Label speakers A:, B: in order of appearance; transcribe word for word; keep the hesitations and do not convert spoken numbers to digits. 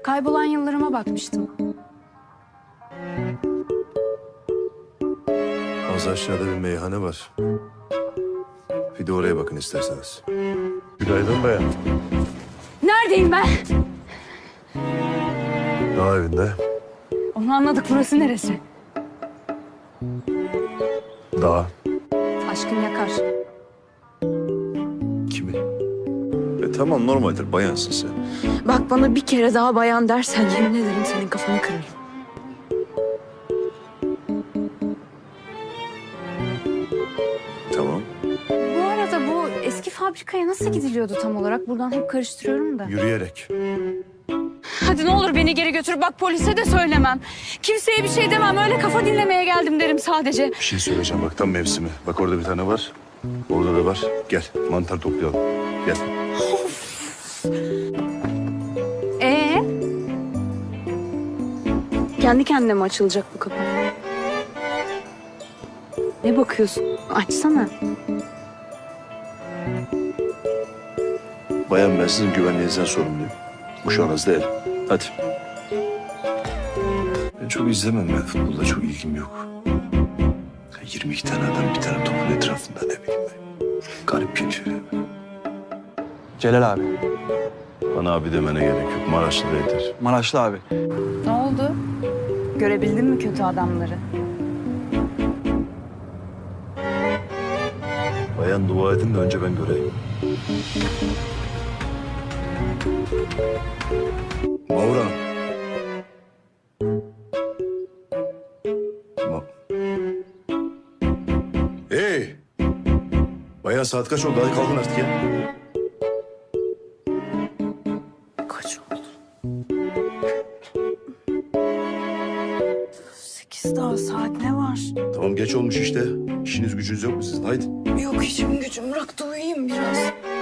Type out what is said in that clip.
A: Kaybolan yıllarıma bakmıştım.
B: Az aşağıda bir meyhane var. Bir de oraya bakın isterseniz. Günaydın bayan.
A: Neredeyim ben?
B: Dağ evinde.
A: Onu anladık, burası neresi?
B: Dağ.
A: Aşkın yakar.
B: Kimi? E tamam, normaldir, bayansın sen.
A: Bak, bana bir kere daha bayan dersen yemin ederim senin kafanı kırarım.
B: Tamam.
A: Bu arada bu eski fabrikaya nasıl gidiliyordu tam olarak? Buradan hep karıştırıyorum da.
B: Yürüyerek.
A: Hadi ne olur beni geri götür. Bak, polise de söylemem. Kimseye bir şey demem. Öyle kafa dinlemeye geldim derim sadece.
B: Bir şey söyleyeceğim, bak tam mevsimi. Bak orada bir tane var. Orada da var. Gel mantar toplayalım. Gel.
A: Ee? Kendi kendine mi açılacak bu kapı? Ne bakıyorsun? Açsana.
B: Bayan, ben sizin güvenliğinizden sorumluyum. Uşağınız değil. Hadi. Ben çok izlemem ya. Futbolda çok ilgim yok. yirmi iki tane adam bir tane topun etrafında, ne bileyim ben. Garip geliyor ya.
C: Celal abi.
B: Bana abi demene gerek yok. Maraşlı da yeter.
C: Maraşlı abi.
A: Ne oldu? Görebildin mi kötü adamları?
B: Bayan, dua edin de önce ben göreyim. Mavra. Ma hey! Bayan, saat kaç oldu? Hadi kalkın artık ya.
A: Kaç oldu? Sekiz daha, saat ne var?
B: Tamam, geç olmuş işte. İşiniz gücünüz yok mu sizin? Haydi.
A: Yok, işim gücüm bıraktı, uyuyayım biraz.